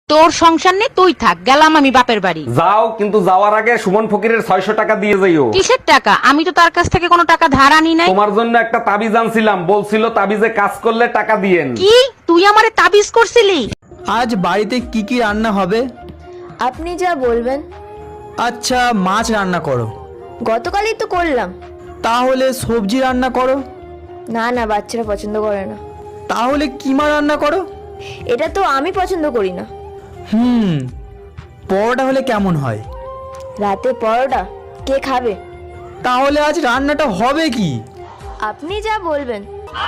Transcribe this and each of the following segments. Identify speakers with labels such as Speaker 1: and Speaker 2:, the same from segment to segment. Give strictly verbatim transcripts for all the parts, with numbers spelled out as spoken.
Speaker 1: তোর সংসার নেই, তুই থাক, গেলাম আমি বাপের বাড়ি।
Speaker 2: যাও, কিন্তু যাওয়ার আগে সুমন ফকিরের ছয়শো টাকা দিয়ে যাইও।
Speaker 1: কিসের টাকা? আমি তো তার কাছ থেকে কোনো টাকা ধার আনি নাই।
Speaker 2: তোমার জন্য একটা তাবিজ আনছিলাম, বলছিল তাবিজে কাজ করলে টাকা দিয়েন।
Speaker 1: কি তুই আমারে তাবিজ করছিলি?
Speaker 3: আজ বাড়িতে কি কি রান্না হবে?
Speaker 4: আপনি যা বলবেন।
Speaker 3: আচ্ছা, মাছ রান্না করো।
Speaker 4: গতকালই তো করলাম।
Speaker 3: তাহলে সবজি রান্না করো।
Speaker 4: না না, বাচ্চারা পছন্দ করে না।
Speaker 3: তাহলে কিমা রান্না করো।
Speaker 4: এটা তো আমি পছন্দ করি না।
Speaker 3: হুম, পরোটা হলে কেমন হয়?
Speaker 4: রাতে পরোটা কে খাবে?
Speaker 3: তাহলে আজ রান্নাটা হবে কি?
Speaker 4: আপনি যা বলবেন।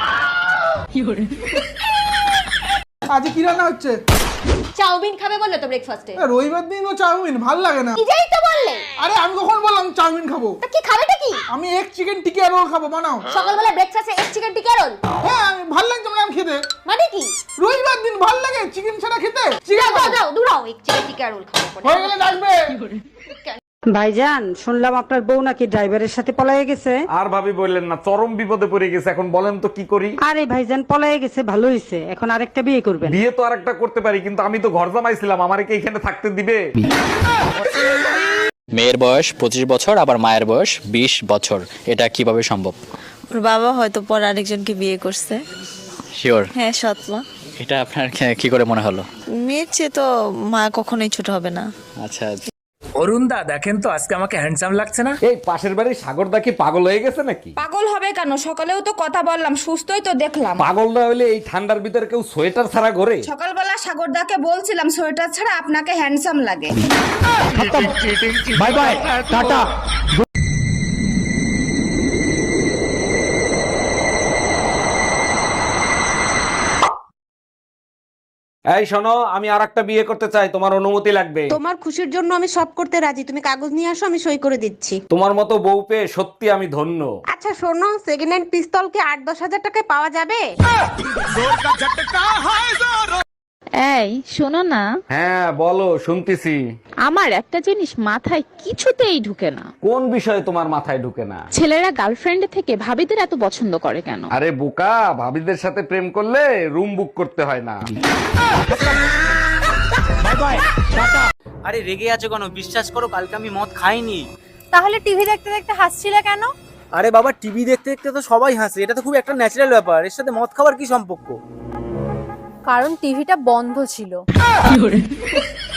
Speaker 5: আজ কি রান্না হচ্ছে?
Speaker 6: চাউমিন খাবে বললে তো ব্রেকফাস্টে।
Speaker 5: রবিবার দিন ও চাউমিন ভাল লাগে না।
Speaker 6: নিজেই তো বললে।
Speaker 5: আরে আমি কখন বললাম চাউমিন খাবো?
Speaker 6: তা কি খাবেটা কি?
Speaker 5: আমি এক চিকেন টিকিয়া রোল খাবো, বানাও।
Speaker 6: সকালবেলা ব্রেকফাস্টে এক চিকেন টিকা রোল?
Speaker 5: হ্যাঁ, আমি ভাল লাগছে না আমি খেতে।
Speaker 6: মানে কি?
Speaker 5: রবিবার দিন ভাল লাগে চিকেন ছাড়া খেতে। চিকেন
Speaker 6: দাও দাও দূরাও, এক চিকেন টিকা রোল খাবো।
Speaker 5: হয়ে গেলে ডাকবে।
Speaker 7: ভাইজান, শুনলাম আপনার বউ নাকি ড্রাইভারের সাথে পলায়ে গেছে।
Speaker 2: আর ভাবি বললেন না, চরম বিপদে পড়ে গেছে। এখন বলেন তো কি করি?
Speaker 7: আরে ভাইজান, পলায়ে গেছে ভালো হয়েছে, এখন আরেকটা বিয়ে করবেন।
Speaker 2: বিয়ে তো আরেকটা করতে পারি, কিন্তু আমি তো ঘর জামাইছিলাম, আমারে কি এখানে থাকতে দিবে?
Speaker 8: মেয়ের বয়স পঁচিশ বছর, আবার মায়ের বয়স বিশ বছর, এটা কিভাবে সম্ভব?
Speaker 9: ওর বাবা হয়তো পর আরেকজনকে বিয়ে করছে।
Speaker 8: শিওর?
Speaker 9: হ্যাঁ, সৎমা।
Speaker 8: এটা আপনার কি- কি করে মনে হলো?
Speaker 9: মেয়ের চেয়ে তো মা কখনোই ছোট হবে না।
Speaker 8: আচ্ছা,
Speaker 10: অরুণ দা, দেখেন তো আজকে আমাকে হ্যান্ডসাম লাগছে না?
Speaker 2: এই পাশের বাড়ির সাগরদা কি পাগল হয়ে গেছে নাকি?
Speaker 11: পাগল হবে কেন? সকালেও তো কথা বললাম, সুস্থই তো দেখলাম।
Speaker 2: পাগল না হলে এই ঠান্ডার ভিতরে কেউ সোয়েটার ছাড়া ঘোরে?
Speaker 11: সকালবেলা সাগরদাকে বলছিলাম সোয়েটার ছাড়া আপনাকে হ্যান্ডসাম লাগে।
Speaker 3: বাই বাই, টাটা।
Speaker 2: এই শোনো, আমি আর একটা বিয়ে করতে চাই, তোমার অনুমতি লাগবে।
Speaker 7: তোমার খুশির জন্য আমি সব করতে রাজি, তুমি কাগজ নিয়ে আসো, আমি সই করে দিচ্ছি।
Speaker 2: তোমার মতো বউ পেয়ে সত্যি আমি ধন্য।
Speaker 7: আচ্ছা শোনো, সেকেন্ড হ্যান্ড পিস্তল কি আট দশ হাজার টাকায় পাওয়া যাবে?
Speaker 6: এই শোনো না,
Speaker 2: হ্যাঁ বলো, শুনতেছি।
Speaker 6: আমার একটা জিনিস মাথায় কিছুতেই ঢুকে না।
Speaker 2: কোন বিষয়ে তোমার মাথায় ঢুকে না?
Speaker 6: ছেলেরা গার্লফ্রেন্ড থেকে ভাবিদের এত পছন্দ করে কেন?
Speaker 2: আরে বোকা, ভাবিদের সাথে প্রেম করলে রুম বুক করতে হয় না।
Speaker 10: আরে রেগে আছো কেন? বিশ্বাস করো, কালকে আমি মদ খাইনি।
Speaker 6: তাহলে টিভি দেখতে দেখতে হাসছিলে কেন?
Speaker 10: আরে বাবা, টিভি দেখতে দেখতে তো সবাই হাসে, এটা তো খুব একটা ন্যাচারাল ব্যাপার। এর সাথে মদ খাওয়ার কি সম্পর্ক?
Speaker 6: কারণ টিভিটা বন্ধ ছিল।